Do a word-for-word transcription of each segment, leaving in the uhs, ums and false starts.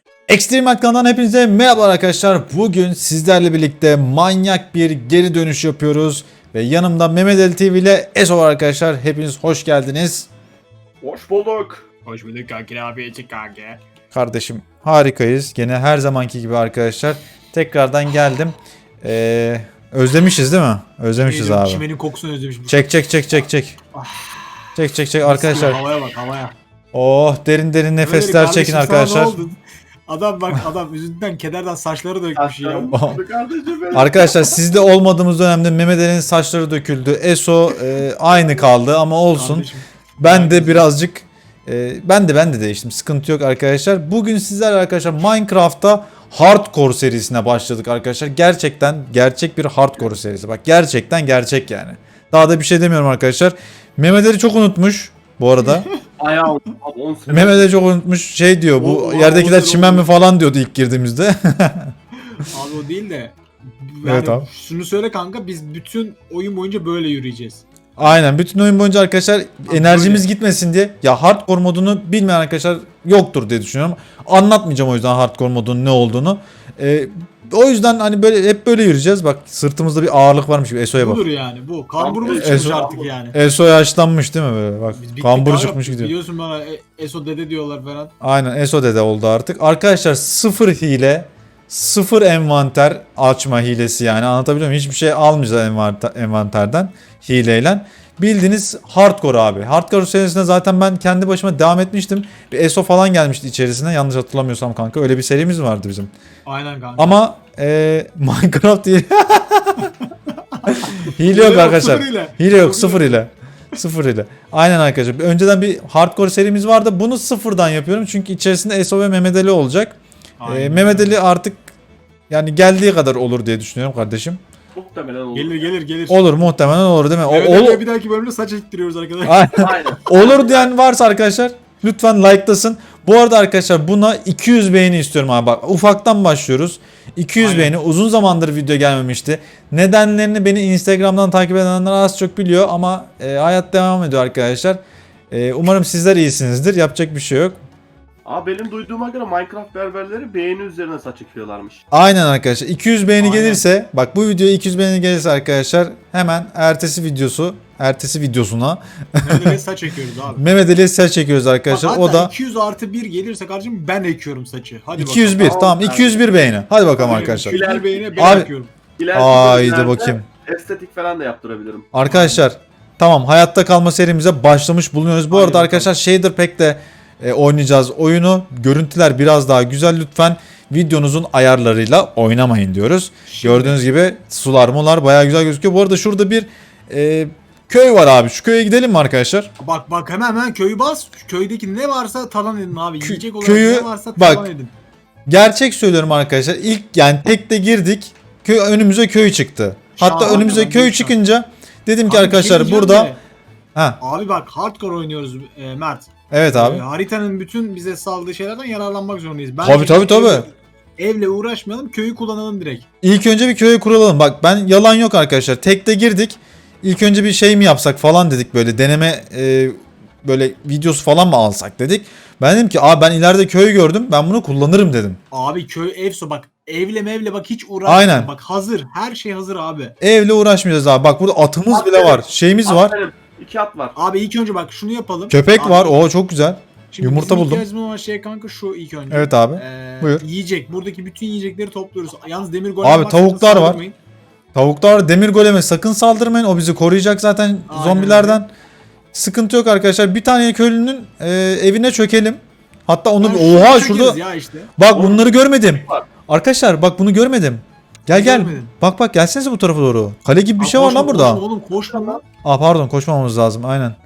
Extreme kanalından hepinize merhaba arkadaşlar. Bugün sizlerle birlikte manyak bir geri dönüş yapıyoruz. Ve yanımda Mehmet Ali T V ile Eso var arkadaşlar. Hepiniz hoş geldiniz. Hoş bulduk. Hoş bulduk kanki, abi için kanki. Kardeşim harikayız. Gene her zamanki gibi arkadaşlar. Tekrardan geldim. Ee, özlemişiz değil mi? Özlemişiz abi. Çimenin kokusunu özlemişim. Çek çek çek çek çek. Çek çek çek arkadaşlar. Havaya bak havaya. Oh derin derin nefesler Öyle çekin kardeşim, sana arkadaşlar. ne oldu? Adam bak adam üzüntüden kederden saçları dökmüş ya. Kardeşim benim. Arkadaşlar sizde olmadığımız dönemde Mehmet Ali'nin saçları döküldü. Eso e, aynı kaldı ama olsun. Kardeşim, Ben de birazcık e, ben de ben de değiştim. Sıkıntı yok arkadaşlar. Bugün sizlerle arkadaşlar Minecraft'ta Hardcore serisine başladık arkadaşlar. Gerçekten gerçek bir Hardcore serisi. Bak gerçekten gerçek yani. Daha da bir şey demiyorum arkadaşlar. Mehmet Ali çok unutmuş bu arada. Ayağı on sene. Mehmet Ali çok unutmuş. Şey diyor bu O- o- yerdekiler o- çimen mi falan diyordu ilk girdiğimizde. Abi o değil de. Yani Evet abi. Şunu söyle kanka, biz bütün oyun boyunca böyle yürüyeceğiz. Aynen bütün oyun boyunca arkadaşlar enerjimiz gitmesin diye ya hardcore modunu bilmeyen arkadaşlar yoktur diye düşünüyorum. Anlatmayacağım o yüzden hardcore modunun ne olduğunu. Ee, o yüzden hani böyle hep böyle yürüyeceğiz. Bak sırtımızda bir ağırlık varmış gibi. Eso'ya bak. Budur yani bu. Kamburumuz Eso- çıkmış artık yani. Eso yaşlanmış değil mi böyle? Bak Biz bittik kambur kanka, çıkmış gidiyor. Biliyorsun bana e, Eso dede diyorlar falan. Aynen Eso dede oldu artık. Arkadaşlar sıfır hile, sıfır envanter açma hilesi yani anlatabiliyor muyum? Hiçbir şey almayacağız envanter, envanterden hileyle. Bildiğiniz hardcore abi. Hardcore serisine zaten ben kendi başıma devam etmiştim. Bir Eso falan gelmişti içerisine yanlış hatırlamıyorsam kanka. Öyle bir serimiz vardı bizim. Aynen kanka. Ama e, Minecraft değil. Hile yok arkadaşlar. Sıfır ile. Hile yok sıfır ile. Sıfır ile. Aynen arkadaşlar. Önceden bir hardcore serimiz vardı. Bunu sıfırdan yapıyorum. Çünkü içerisinde Eso ve Mehmet Ali olacak. Aynen. Ee, Mehmet Ali artık yani geldiği kadar olur diye düşünüyorum kardeşim. Muhtemelen olur. Gelir gelir gelir. Olur muhtemelen olur değil mi? O, Evet, ol- evet, bir dahaki bölümde saç ektiriyoruz arkadaşlar. Aynen. Aynen. Olur diyen varsa arkadaşlar lütfen like'lasın. Bu arada arkadaşlar buna iki yüz beğeni istiyorum abi. Bak ufaktan başlıyoruz. iki yüz Aynen. beğeni uzun zamandır video gelmemişti. Nedenlerini beni Instagram'dan takip edenler az çok biliyor ama e, hayat devam ediyor arkadaşlar. E, umarım sizler iyisinizdir. Yapacak bir şey yok. Abi benim duyduğuma göre Minecraft berberleri beğeni üzerine saç ekiyorlarmış. Aynen arkadaşlar. iki yüz beğeni Aynen. gelirse bak bu videoya iki yüz beğeni gelirse arkadaşlar hemen ertesi videosu ertesi videosuna Mehmet Ali'ye saç ekiyoruz abi. Mehmet Ali'ye saç çekiyoruz arkadaşlar. Bak, O hatta da iki yüz artı bir gelirse kardeşim ben ekiyorum saçı. Hadi iki yüz bir bakalım. tamam Tamam, iki yüz bir beğeni. Hadi bakalım Aynen, arkadaşlar. iki yüz bir beğeni ben Abi- ekiyorum. İleriki Haydi bölümlerde bakayım. estetik falan da yaptırabilirim. Arkadaşlar tamam hayatta kalma serimize başlamış bulunuyoruz. Bu Aynen arada arkadaşlar Shader Pack'te e, oynayacağız oyunu. Görüntüler biraz daha güzel lütfen videonuzun ayarlarıyla oynamayın diyoruz. Şimdi- Gördüğünüz gibi sular mular bayağı güzel gözüküyor. Bu arada şurada bir e, köy var abi. Şu köye gidelim mi arkadaşlar? Bak bak hemen hemen köyü bas. Köydeki ne varsa talan edin abi. Kö- Yiyecek olarak köyü- ne varsa bak. talan edin. Gerçek söylüyorum arkadaşlar. İlk yani tekte girdik. Köy, önümüze köy çıktı. Hatta Şahane önümüze lan, köy büyük çıkınca dedim ki Abi, arkadaşlar bir şey diyeceğim burada de, ha Abi bak hardcore oynuyoruz e, Mert. evet abi. E, haritanın bütün bize saldığı şeylerden yararlanmak zorundayız. Tabii, tabii, tabii. Evle, evle uğraşmayalım, köyü kullanalım direkt. İlk önce bir köye kuralım. Bak ben yalan yok arkadaşlar. Tekte girdik. İlk önce bir şey mi yapsak falan dedik böyle deneme e, böyle videosu falan mı alsak dedik. Ben dedim ki aa ben ileride köy gördüm. Ben bunu kullanırım dedim. Abi köy evso bak evle mevle bak hiç uğraşma. Aynen. Bak hazır, her şey hazır abi. Evle uğraşmayacağız abi. Bak burada atımız bile var. Şeyimiz var. Aferin. İki at var. Abi ilk önce bak şunu yapalım. Köpek Abi, var. Oo çok güzel. şimdi yumurta bizim buldum. ihtiyacımız olan şey kanka şu ilk önce. Evet abi. Ee, Buyur. Yiyecek. Buradaki bütün yiyecekleri topluyoruz. Yalnız demir golem Abi, var, tavuklar sakın var. saldırmayın. Tavuklar demir goleme sakın saldırmayın. O bizi koruyacak zaten Aynen zombilerden. Sıkıntı yok arkadaşlar. Bir tane köylünün e, evine çökelim. Hatta onu Ha, bir şunu oha çekeriz şurada ya işte. bak bunları görmedim. var. Arkadaşlar bak bunu görmedim. Gel gel. Görmedin. Bak bak gelsenize bu tarafa doğru. Kale gibi bir Aa, şey var koşma, lan burada. Koşma oğlum koşma lan. Aa pardon koşmamamız lazım aynen.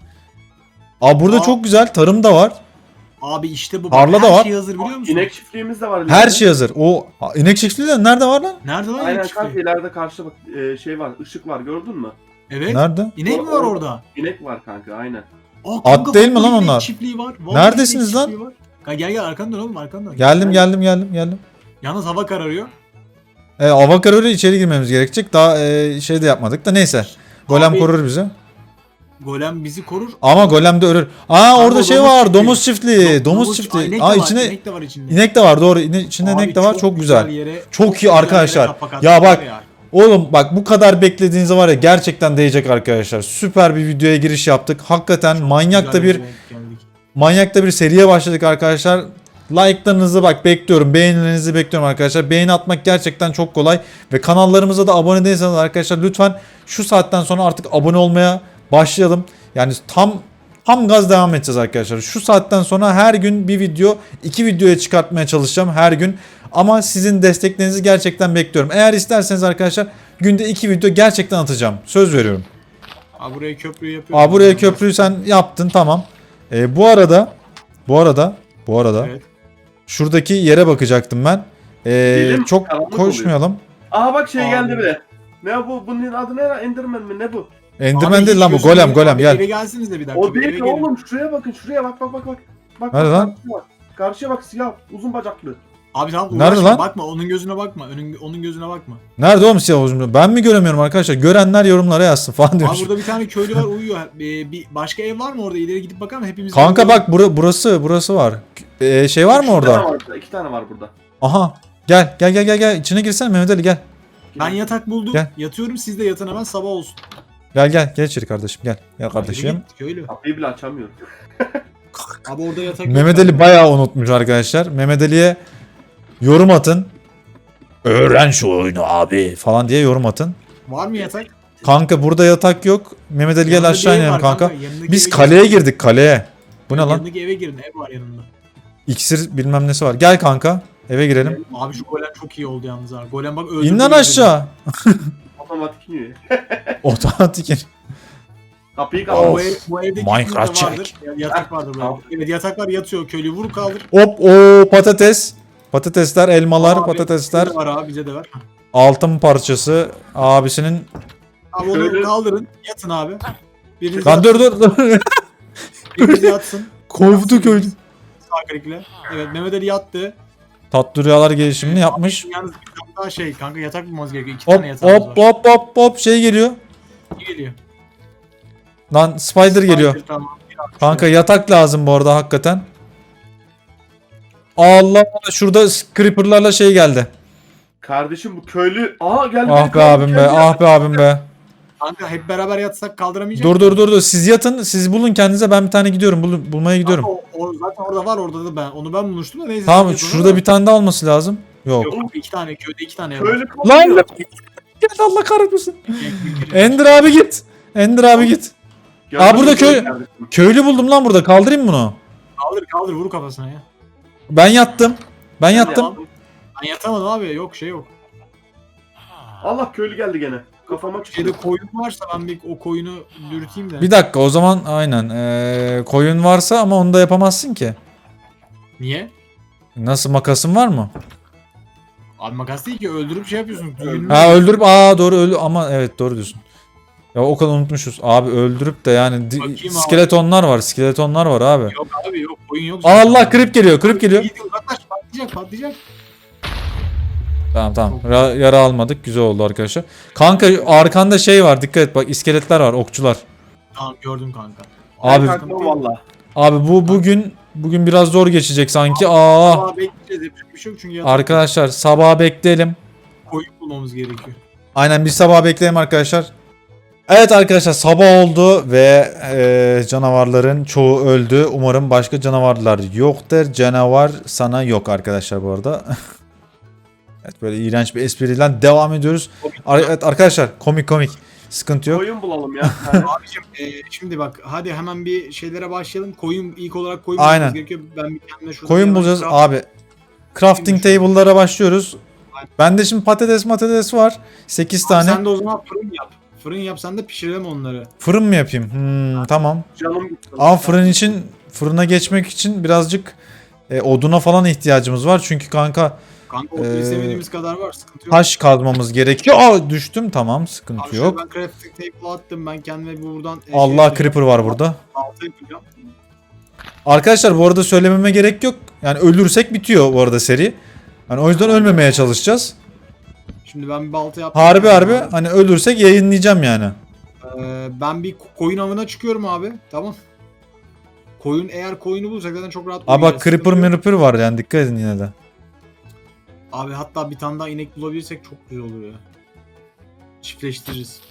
Aa burada Aa. çok güzel tarım da var. Abi işte bu. Tarla Bak, da her var. şey hazır biliyor musun? İnek çiftliğimiz de var. Her ileride. şey hazır. O Aa, inek çiftliği de nerede var lan? Nerede lan Aynen inek çiftliği? kanka ileride karşı bak e, şey var, ışık var gördün mü? Evet. Nerede? İnek mi var orada? İnek var kanka aynen. Aa, At kanka, değil mi vallahi lan inek onlar? Çiftliği var. Vallahi Neredesiniz inek lan? çiftliği var. Kanka gel gel arkandan dön oğlum arkandan. Geldim geldim geldim geldim. Yalnız hava kararıyor. E, avakar öyle içeri girmemiz gerekecek. Daha e, şey de yapmadık da neyse. Golem Abi- korur bizi. golem bizi korur. Ama golem de ölür. Aa orada o şey domuz var. çiftliği. Domuz çiftliği. Do- Domuz Aa, çiftliği. inek Aa de var, içinde inek de var içinde. inek de var doğru. İne- İçinde Abi inek de var. Çok güzel. yere- Çok iyi güzel yere arkadaşlar. kapak Ya attılar bak ya. oğlum bak bu kadar beklediğiniz var ya gerçekten değecek arkadaşlar. Süper bir videoya giriş yaptık. Hakikaten manyak da Güzel bir yere geldik. manyak da bir seriye başladık arkadaşlar. Like'larınızı bak bekliyorum. Beğenilerinizi bekliyorum arkadaşlar. Beğeni atmak gerçekten çok kolay. Ve kanallarımıza da abone değilseniz arkadaşlar lütfen şu saatten sonra artık abone olmaya başlayalım. Yani tam tam gaz devam edeceğiz arkadaşlar. Şu saatten sonra her gün bir video, iki videoya çıkartmaya çalışacağım her gün. Ama sizin desteklerinizi gerçekten bekliyorum. Eğer isterseniz arkadaşlar günde iki video gerçekten atacağım. Söz veriyorum. Aa, buraya köprüyü yapıyorum. Aa buraya köprüyü sen yaptın tamam. Ee, bu arada bu arada bu arada Evet. şuradaki yere bakacaktım ben. Ee, Gidelim, çok karanlık koşmayalım. Aha bak şey Abi. geldi bile. Ne bu? Bunun adı ne? Enderman mi? Ne bu? Enderman Abi değil hiç lan bu gözükmüyor. golem golem Abi gel. Eve gelsiniz de bir dakika. O bir değil eve ki gelin. oğlum. Şuraya bakın. Şuraya bak bak bak bak. Bak Nerede bak, lan? Karşıya bak. Karşıya bak siyah. Uzun bacaklı. Abi tamam Nerede uğraşma, lan? bakma onun gözüne bakma. Onun, onun gözüne bakma. Nerede oğlum siyah uzun? Ben mi göremiyorum arkadaşlar? Görenler yorumlara yazsın falan Abi diyormuş. burada bir tane köylü var uyuyor. Ee, bir başka ev var mı orada? İleri gidip bakar mı? Hepimiz Kanka uyuyoruz. bak bura, burası burası var. Ee, şey var mı İki tane orada? var burada. İki tane var burada. Aha. Gel gel gel gel gel. İçine girsene Mehmet Ali gel. Ben yatak buldum. Gel. Yatıyorum siz de yatın hemen sabah olsun. Gel gel gel içeri kardeşim gel. Gel Yürü kardeşim. git, köylü. Kapıyı bile açamıyorum. Abi orada yatak yok. Mehmet Ali bayağı unutmuş arkadaşlar. Mehmet Ali'ye yorum atın. Öğren şu oyunu abi falan diye yorum atın. Var mı yatak? Kanka burada yatak yok. Mehmet Ali gel Yanında aşağı bir ev inelim var kanka. yanındaki Biz eve kaleye girin. girdik kaleye. Bu ne lan? Yanındaki eve girin ev var yanında. İksir bilmem nesi var. Gel kanka eve girelim. Abi şu golem çok iyi oldu yalnız ha. Golem bak öldürdü. İn lan bizi. aşağı. Otomatik iniyor. Otomatik in. Kapıyı Abi bu, kapat. ev, bu evde Minecraft kesinlikle vardır. Ya- Yatak vardır burada. Tamam. Evet yatak var yatıyor köylü vur kaldır. Hop o patates. Patatesler, elmalar, Abi, patatesler. bize de var abi bize de var. Altın parçası abisinin. Abi onu Şöyle- kaldırın yatın abi. Biriniz Lan yatsın, dur dur dur. biriniz yatsın. Kovdu köylü. Sağ klikle. Evet Mehmet Ali yattı. Tatlı rüyalar gelişimini yapmış. Yalnız bir tane daha şey kanka yatak bulmamız gerekiyor. İki Hop tane yatağımız hop var. hop hop hop şey geliyor. İyi geliyor. Lan spider geliyor. Spider, Tamam. Kanka yatak lazım bu arada hakikaten. Allah Allah şurada creeper'larla şey geldi. Kardeşim bu köylü. Aa geldi. Ah be abim be, ah be abim be. Kanka hep beraber yatsak kaldıramayacak. Dur dur dur dur siz yatın, siz bulun kendinize, ben bir tane gidiyorum, bul- bulmaya gidiyorum. O, o zaten orada var orada da ben. Onu ben bulmuştum da neyse. Tamam siz yatın şurada orada. bir tane daha olması lazım. Yok. Yok iki tane köyde iki tane Köylü var. kalıyor. Lan gel Allah kahretmesin. En... Ender abi git. Ender abi git. Gördün Aa, mü burada köy- kardeşim? Köylü buldum lan burada, kaldırayım mı bunu? Kaldır kaldır vur kafasına ya. Ben yattım. Ben yattım. yaptım. Ben yatamadım abi yok şey yok. Allah köylü geldi gene. Kafama çıktı. Şeyde koyun varsa ben bir o koyunu dürteyim de. Bir dakika o zaman aynen. Ee, koyun varsa ama onu da yapamazsın ki. Niye? Nasıl, makasın var mı? Hmm. Abi makas değil ki öldürüp şey yapıyorsun. düğününü- Ha öldürüp aa doğru öldü ama evet doğru diyorsun. Ya o kadar unutmuşuz. Abi öldürüp de yani di- Bakayım abi. skeletonlar var, skeletonlar var abi. Yok abi yok koyun yok. Allah krip geliyor, krip geliyor. İyi, uzaklaş patlayacak patlayacak. Tamam tamam. Ra- yara almadık. Güzel oldu arkadaşlar. Kanka arkanda şey var. Dikkat et bak, iskeletler var, okçular. Tamam gördüm kanka. Abi Ben kalkmam valla. abi bu bugün bugün biraz zor geçecek sanki. Aa Aa bekleyeceğiz yapacak bir şey yok çünkü yatak arkadaşlar sabaha bekleyelim. koyun bulmamız gerekiyor. Aynen bir sabah bekleyelim arkadaşlar. Evet arkadaşlar sabah oldu ve e, canavarların çoğu öldü. Umarım başka canavarlar yoktur. Canavar sana yok arkadaşlar bu arada. Evet böyle iğrenç bir espriyle devam ediyoruz. Ar- evet arkadaşlar komik komik. Sıkıntı yok. Koyun bulalım ya. Yani Abicim e, şimdi bak hadi hemen bir şeylere başlayalım. Koyun ilk olarak koyun Aynen. bulmamız gerekiyor. Ben bir kendime şurada Koyun bir bulacağız hemen craft- abi. Crafting table'lara başlıyoruz. Bende şimdi patates patates var. sekiz Abi tane. Sen de o zaman fırın yap. Fırın yap sen de pişirelim onları. Fırın mı yapayım? Hmm, tamam. canım gitti. Ama fırın için, fırına geçmek için birazcık e, oduna falan ihtiyacımız var. Çünkü kanka Kanka o Ee, istemediğimiz kadar var sıkıntı yok. taş kazmamız gerekiyor. Aa düştüm, tamam sıkıntı Abi şöyle yok. ben crafting table attım ben kendime bir buradan e, Allah yapacağım. creeper var burada. Balta yapacağım. Arkadaşlar bu arada söylememe gerek yok. Yani ölürsek bitiyor bu arada seri. Yani o yüzden ölmemeye çalışacağız. Şimdi ben bir balta yaptım. Harbi harbi hani ölürsek yayınlayacağım yani. Ee, Ee, ben bir koyun avına çıkıyorum abi. Tamam. Koyun eğer koyunu bulursak zaten çok rahat Abi bak uyuyacağız. creeper Sıkıntı yok. mirror var yani dikkat edin yine de. Abi hatta bir tane daha inek bulabilirsek çok güzel olur ya. Çiftleştiririz.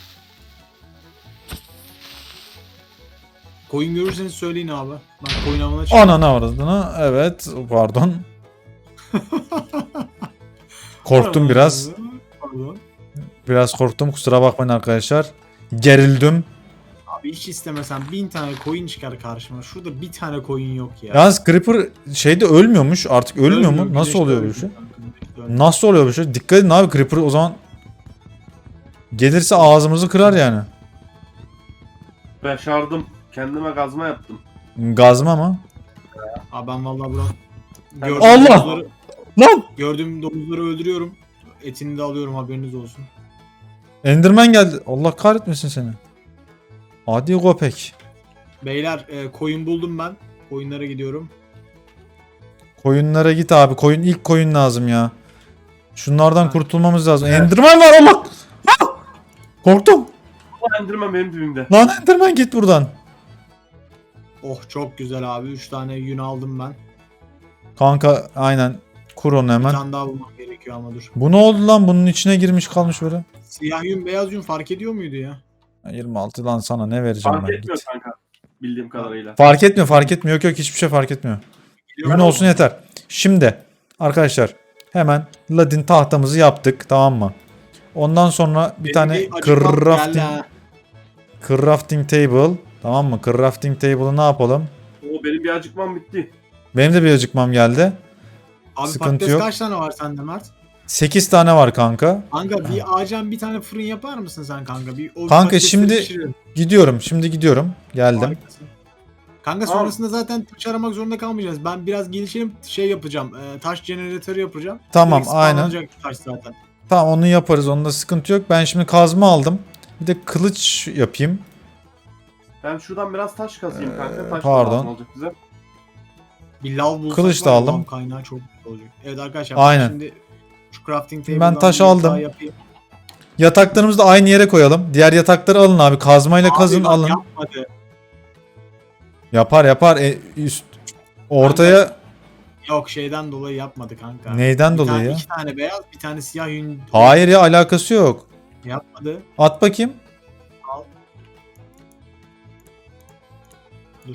Koyun görürseniz söyleyin abi. Ben koyun avına çıkıyorum. Ananı avradını. Evet pardon. Korktum biraz. Pardon. Biraz korktum kusura bakmayın arkadaşlar. Gerildim. Abi hiç istemesen bin tane koyun çıkar karşıma. Şurada bir tane koyun yok ya. Yalnız creeper şeyde ölmüyormuş artık ölmüyor mu? Nasıl güneşte oluyor bu ölmüyor şey? kanka, güneşte ölmüyor. Nasıl oluyor bu şey? Dikkat edin abi creeper o zaman gelirse ağzımızı kırar yani. Başardım. Kendime kazma yaptım. Gazma mı? Abi ben vallahi bura gördüğüm Allah! domuzları, Lan! gördüğüm domuzları öldürüyorum. Etini de alıyorum haberiniz olsun. Enderman geldi. Allah kahretmesin seni. Hadi köpek. Beyler e, koyun buldum ben. Koyunlara gidiyorum. Koyunlara git abi. Koyun ilk koyun lazım ya. Şunlardan Ha. kurtulmamız lazım. Evet. Enderman var Allah. Ah! Korktum. Ama Enderman benim dibimde. Lan Enderman git buradan. Oh çok güzel abi. üç tane yün aldım ben. Kanka aynen. Kur onu Bir hemen. tane daha bulmam gerekiyor ama dur. Bu ne oldu lan? Bunun içine girmiş kalmış böyle. Siyah yün beyaz yün fark ediyor muydu ya? yirmi altı lan sana ne vereceğim Fark ben etmiyor git. kanka. Bildiğim kadarıyla. Fark etmiyor fark etmiyor. Yok yok hiçbir şey fark etmiyor. Gün olsun yeter. Şimdi arkadaşlar hemen ladin tahtamızı yaptık tamam mı? Ondan sonra bir Benim tane bir acıkmam geldi crafting, ha. crafting table tamam mı? Crafting table'ı ne yapalım? O benim bir acıkmam bitti. Benim de bir acıkmam geldi. Abi Sıkıntı patates yok. kaç tane var sende Mert? sekiz tane var kanka. Kanka bir ağacan bir tane fırın yapar mısın sen kanka? Bir, o Kanka patatesleri şimdi- pişirelim. Gidiyorum şimdi gidiyorum. Geldim. Harikasın. Kanka Tamam. sonrasında zaten taş aramak zorunda kalmayacağız. Ben biraz gelişelim şey yapacağım. e, taş jeneratörü yapacağım. Tamam, Direkt aynen. spawnlanacak taş zaten. Tamam onu yaparız. Onda sıkıntı yok. Ben şimdi kazma aldım. Bir de kılıç yapayım. Ben şuradan biraz taş kazayım kanka. Ee, Taş da pardon. lazım olacak bize. Bir lav bulsak Kılıç da var ya, aldım. lav kaynağı çok güzel olacak. Evet arkadaşlar Aynen. ben şimdi şu crafting Ben table'dan taş bir aldım. yatağı yapayım. Yataklarımızı da aynı yere koyalım. Diğer yatakları alın abi. Kazmayla Abi kazın bak alın. Yapmadı. Yapar yapar. E, üst ortaya Yok şeyden dolayı yapmadı kanka. neyden Bir dolayı tane, ya? İki tane beyaz bir tane siyah yün. Hayır ya alakası yok. Yapmadı. At bakayım. Al. Dur.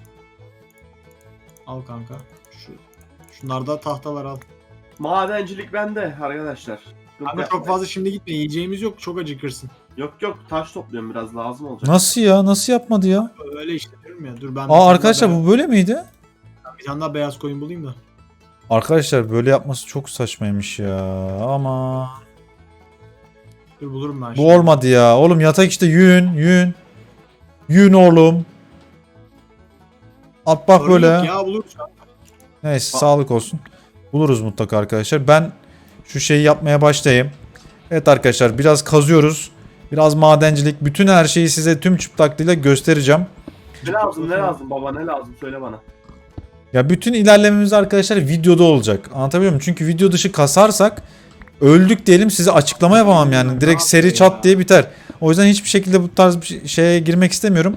Al kanka. Şu şunlarda tahtalar al. Madencilik bende arkadaşlar. Sıkıntı Kanka çok yapmayın. fazla şimdi gitme. Yiyeceğimiz yok. Çok acıkırsın. Yok yok taş topluyorum biraz lazım olacak. Nasıl ya? Nasıl yapmadı ya? Öyle işte diyorum ya. Dur ben bir Aa tane arkadaşlar daha bu böyle miydi? beyaz- bir tane daha beyaz koyun bulayım da. Arkadaşlar böyle yapması çok saçmaymış ya. Ama Dur bulurum ben bu şimdi. olmadı ya. Oğlum yatak işte yün, yün. Yün oğlum. At bak Sorun böyle. yok ya buluruz. ya. Neyse sağlık olsun. Buluruz mutlaka arkadaşlar. Ben şu şeyi yapmaya başlayayım. Evet arkadaşlar biraz kazıyoruz. Biraz madencilik. Bütün her şeyi size tüm çıplaklığıyla göstereceğim. Ne lazım ne lazım baba ne lazım söyle bana. Ya bütün ilerlememiz arkadaşlar videoda olacak. Anlatabiliyor muyum? Çünkü video dışı kasarsak öldük diyelim size açıklama yapamam yani. Direkt seri çat diye biter. O yüzden hiçbir şekilde bu tarz bir şeye girmek istemiyorum.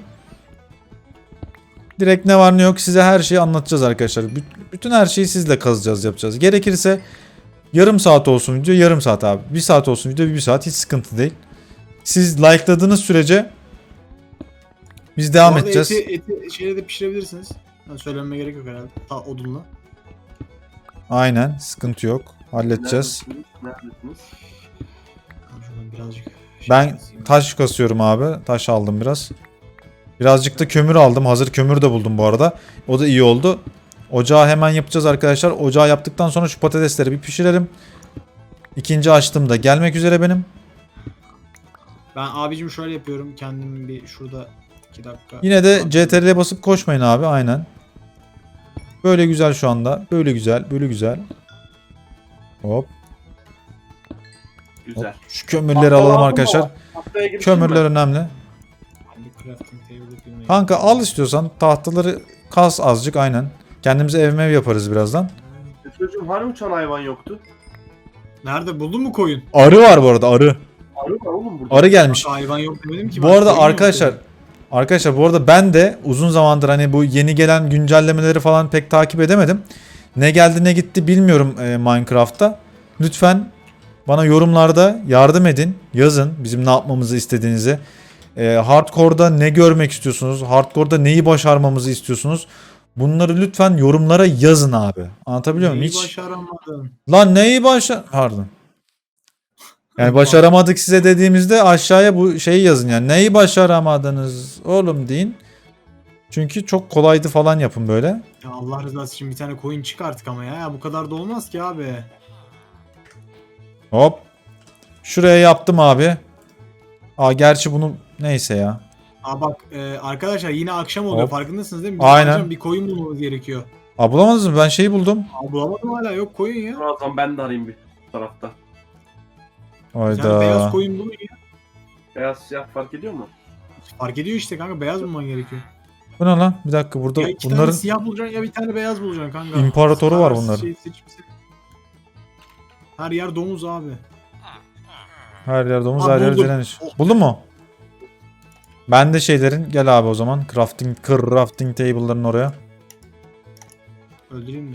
Direkt ne var ne yok size her şeyi anlatacağız arkadaşlar. Bü- Bütün her şeyi sizle kazacağız yapacağız. Gerekirse yarım saat olsun video yarım saat abi. Bir saat olsun video bir saat hiç sıkıntı değil. Siz like'ladığınız sürece biz devam Bu arada edeceğiz. Eti, eti şeyle de pişirebilirsiniz. Yani söylenme gerek yok herhalde. Ta odunla. Aynen sıkıntı yok. Halledeceğiz. Neredesiniz? Neredesiniz? Ben şuradan birazcık şey Ben keseyim. taş kasıyorum abi. Taş aldım biraz. Birazcık da kömür aldım. Hazır kömür de buldum bu arada. O da iyi oldu. Ocağı hemen yapacağız arkadaşlar. Ocağı yaptıktan sonra şu patatesleri bir pişirelim. İkinci açtım da gelmek üzere benim. Ben abicim şöyle yapıyorum. Kendim bir şurada iki dakika. Yine de C T R L'ye basıp koşmayın abi aynen. Böyle güzel şu anda. Böyle güzel. Böyle güzel. Hop. Güzel. hop. Şu kömürleri Tahta alalım lazım arkadaşlar. baba. Haftaya girişeyim Kömürler ben. önemli. Ben bir crafting table yapayım. Kanka al istiyorsan tahtaları kas azıcık aynen. Kendimize ev mev yaparız birazdan. E Çocuğum hani uçan hayvan yoktu? Nerede buldun mu koyun? Arı var bu arada arı. Arı Arı var oğlum burada. Arı gelmiş. Kanka hayvan yok demedim ki. Bu ben, arada koyun yok arkadaşlar dedim. arkadaşlar bu arada ben de uzun zamandır hani bu yeni gelen güncellemeleri falan pek takip edemedim. Ne geldi ne gitti bilmiyorum e, Minecraft'ta. Lütfen bana yorumlarda yardım edin. Yazın bizim ne yapmamızı istediğinizi. E, hardcore'da ne görmek istiyorsunuz? Hardcore'da neyi başarmamızı istiyorsunuz? Bunları lütfen yorumlara yazın abi. Anlatabiliyor muyum? Neyi Hiç... başaramadın? Lan neyi başar... Pardon. Yani başaramadık size dediğimizde aşağıya bu şeyi yazın yani. Neyi başaramadınız oğlum deyin. Çünkü çok kolaydı falan yapın böyle. Ya Allah rızası için bir tane koyun çık artık ama ya. ya bu kadar da olmaz ki abi. Hop. Şuraya yaptım abi. Aa gerçi bunu neyse ya. Aa bak e, arkadaşlar yine akşam oluyor, Hop. farkındasınız değil mi? Bizim Aynen. akşam bir koyun bulmamız gerekiyor. Aa bulamadınız mı? Ben şeyi buldum. Aa bulamadım hala, yok koyun ya. O zaman ben de arayayım bir tarafta. Bir tane Hayda. beyaz koyun bulun ya. Beyaz siyah fark ediyor mu? Fark ediyor işte kanka, beyaz bulman gerekiyor. Bu ne lan? Bir dakika burada Ya iki tane bunların siyah bulacaksın ya bir tane beyaz bulacaksın kanka. İmparatoru var Her bunların. şeyi seçip seçip- Her yer domuz abi. her yer domuz Aa, her yer buldum. direniş. Oh. Buldun mu? Ben de şeylerin gel abi o zaman. Crafting, crafting table'ların oraya. Öldüreyim de.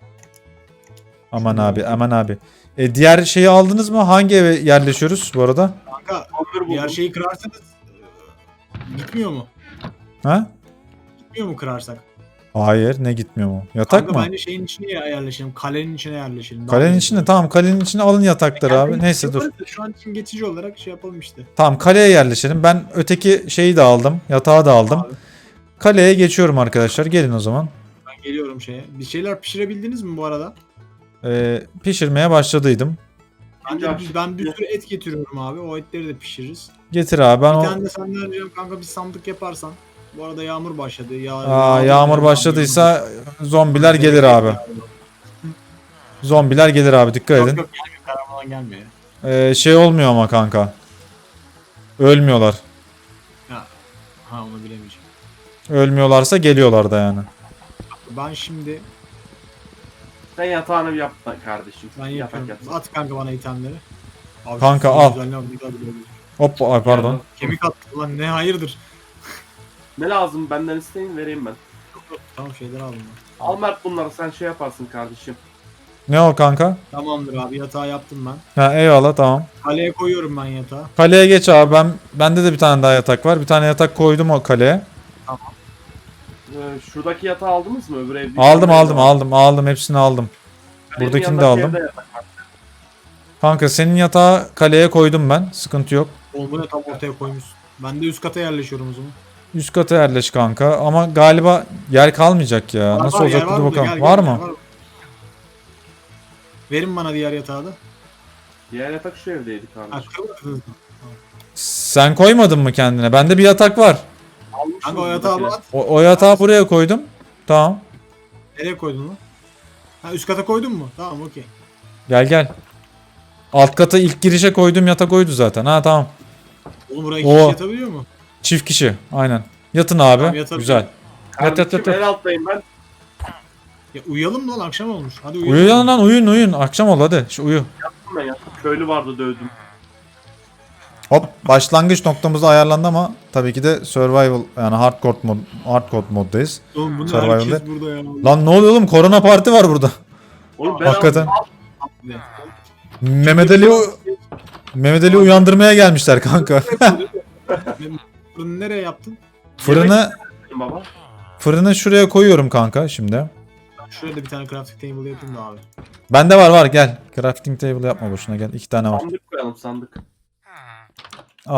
Aman Şunu abi aldım. aman abi. E, diğer şeyi aldınız mı? Hangi eve yerleşiyoruz bu arada? Kanka Onları diğer buldum. şeyi kırarsanız e, gitmiyor mu? Ha? Gitmiyor mu kırarsak? Hayır ne gitmiyor mu? Yatak Kanka mı? bence şeyin içine yerleşelim. Kalenin içine yerleşelim. Daha Kalenin iyi içine olur. tamam kalenin içine alın yatakları abi. Yani Neyse dur. yaparız da Şu an için geçici olarak şey yapalım işte. Tamam kaleye yerleşelim. Ben öteki şeyi de aldım. Yatağı da aldım. Abi, Kaleye geçiyorum arkadaşlar. Gelin o zaman. ben geliyorum şeye. Bir şeyler pişirebildiniz mi bu arada? Ee, pişirmeye başladıydım. Ben, de, Bence ben bir sürü et getiriyorum abi. O etleri de pişiririz. Getir abi ben Bir o... tane de senden ricam kanka bir sandık yaparsan. Bu arada yağmur başladı. Ya, Aa, yağmur başladıysa zombiler gelir abi. Zombiler gelir abi dikkat Yok edin. yok gelmiyor. Karaman gelmiyor. Ee, şey olmuyor ama kanka. Ölmüyorlar. Ha, ha onu bilemeyeceğim. Ölmüyorlarsa geliyorlar da yani. Ben şimdi Sen yatağını bir yap lan kardeşim. ben Yatak yapıyorum. yat. At kanka bana itemleri. Abi, Kanka, şu al. güzelliğe bak, ne kadar güzel. Hop ay pardon. Kemik attı lan, ne hayırdır. Ne lazım benden isteyin vereyim ben. Tamam şeyler aldım ben. Al Mert bunları sen şey yaparsın kardeşim. Ne o kanka? Tamamdır abi, yatağı yaptım ben. Ha eyvallah tamam. Kaleye koyuyorum ben yatağı. Kaleye geç abi ben bende de bir tane daha yatak var. Bir tane yatak koydum o kaleye. Ee, şuradaki yatağı aldınız mı öbür evde? Aldım aldım aldım aldım hepsini aldım. Benim Buradakini de yanındaki aldım. evde yatak var. Kanka senin yatağı kaleye koydum ben. Sıkıntı yok. Oğlum bu ne, tam ortaya koymuşsun. Ben de üst kata yerleşiyorum o zaman. Üst kata yerleş kanka ama galiba yer kalmayacak ya. Var, Nasıl var, olacak yer dur var burada, bakalım. gel, Var gel, mı? gel, var. Verin bana diğer yatağı da. Diğer yatak şu evdeydi Ha, kardeşim. kırmadınız mı? Sen koymadın mı kendine? Bende bir yatak var. Almışsınız Kanka o yatağı buradakileri. at. O, o yatağı buraya koydum. Tamam. Nereye koydun lan? Ha üst kata koydun mu? Tamam okey. Gel gel. Alt kata ilk girişe koyduğum yatak oydu zaten. Ha tamam. Oğlum buraya iki Oo. kişi yatabiliyor mu? Çift kişi. Aynen. Yatın abi. Tamam, yatalım. Güzel. Yat yat Kardeşim yat. yat. en alttayım ben. Ya uyuyalım lan, akşam olmuş. Hadi uyuyalım. Uyuyun lan uyuyun uyuyun. Akşam oldu hadi. Şu uyu. Ben yattım. Köylü vardı dövdüm. Hop başlangıç noktamız ayarlandı ama tabii ki de survival yani hardcore mod hardcore moddayız. Oğlum bunu Survival'de. herkes burada ya. Lan ne oluyor oğlum? Korona parti var burada. Oğlum ben Hakikaten. aldım. Ne? Mehmet Ali Mehmet Ali uyandırmaya gelmişler kanka. Fırını nereye yaptın? Fırını Aldım baba. fırını şuraya koyuyorum kanka şimdi. Şuraya da bir tane crafting table yapayım da abi. Bende var var gel. Crafting table yapma boşuna gel. İki tane var. Sandık koyalım sandık. Al.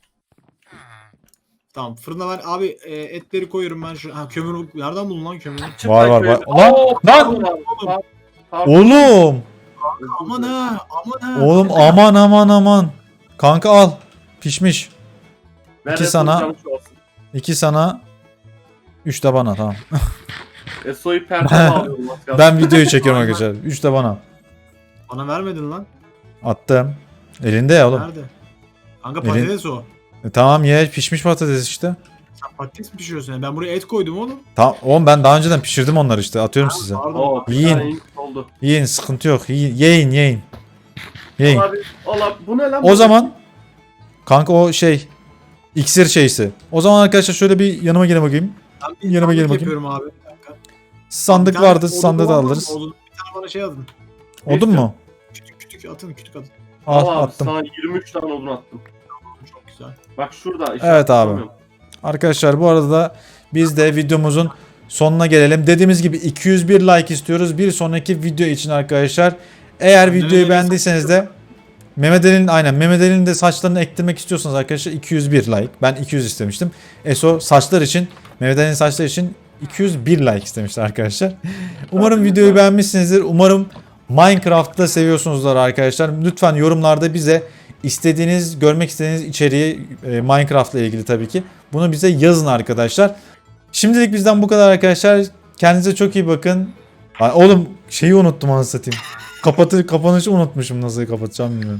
Tamam fırına ben abi e, etleri koyuyorum ben şu. Ha kömür nereden buldun lan kömürü? Çık Var, lan var, köylü. var. Lan, Oo, lan! pardon abi, pardon. Pardon. Oğlum. Aman ha aman ha. Oğlum aman aman aman. Kanka al. Pişmiş. Ver iki Eso'nun sana. canı şu olsun. İki sana. Üç de bana tamam. Eso'yu perdeye alıyorum. az kalsın. Ben videoyu çekiyorum arkadaşlar. Üç de bana. Bana vermedin lan. Attım. Elinde ya oğlum. Nerede? Kanka Elin- patates o. E, tamam ye pişmiş patates işte. Sen patates mi pişiriyorsun? ya? Ben buraya et koydum oğlum. Tamam oğlum ben daha önceden pişirdim onları işte. Atıyorum size. Pardon. Oo, bir Yiyin. tane ink oldu. Yiyin sıkıntı yok. Yiyin yiyin yiyin. Yiyin. Abi, Allah bu ne lan? O zaman Kanka o şey iksir şeysi. O zaman arkadaşlar şöyle bir yanıma gelin bakayım. Ben bir Yanıma sandık gelin bakayım. yapıyorum abi. Bir dakika. Sandık Bir tane vardı. odun Sandığı da var mı? alırız. Odun. Bir tane bana şey atın. Odun mu? Kütük kütük atın kütük atın. Al Al abi attım. sana yirmi üç tane odun attım. Çok güzel. Bak şurada. Evet işaret abi. yapamıyorum. Arkadaşlar bu arada da biz de videomuzun sonuna gelelim. Dediğimiz gibi iki yüz bir like istiyoruz. Bir sonraki video için arkadaşlar. Eğer Mehmet videoyu Ali'nin beğendiyseniz de Mehmet Ali'nin aynen Mehmet Ali'nin de saçlarını ektirmek istiyorsanız arkadaşlar iki yüz bir like. Ben iki yüz istemiştim. Eso saçlar için Mehmet Ali'nin saçları için iki yüz bir like istemişler arkadaşlar. Umarım videoyu beğenmişsinizdir. Umarım Minecraft'ta seviyorsunuzlar arkadaşlar. Lütfen yorumlarda bize istediğiniz, görmek istediğiniz içeriği e, Minecraft'la ilgili tabii ki. Bunu bize yazın arkadaşlar. Şimdilik bizden bu kadar arkadaşlar. Kendinize çok iyi bakın. Ay, oğlum şeyi unuttum anasını satayım. Kapatır, kapanışı unutmuşum, nasıl kapatacağım bilmiyorum.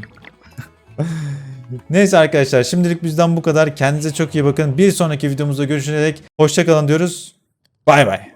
Neyse arkadaşlar şimdilik bizden bu kadar. Kendinize çok iyi bakın. Bir sonraki videomuzda görüşene dek hoşça kalın diyoruz. Bay bay.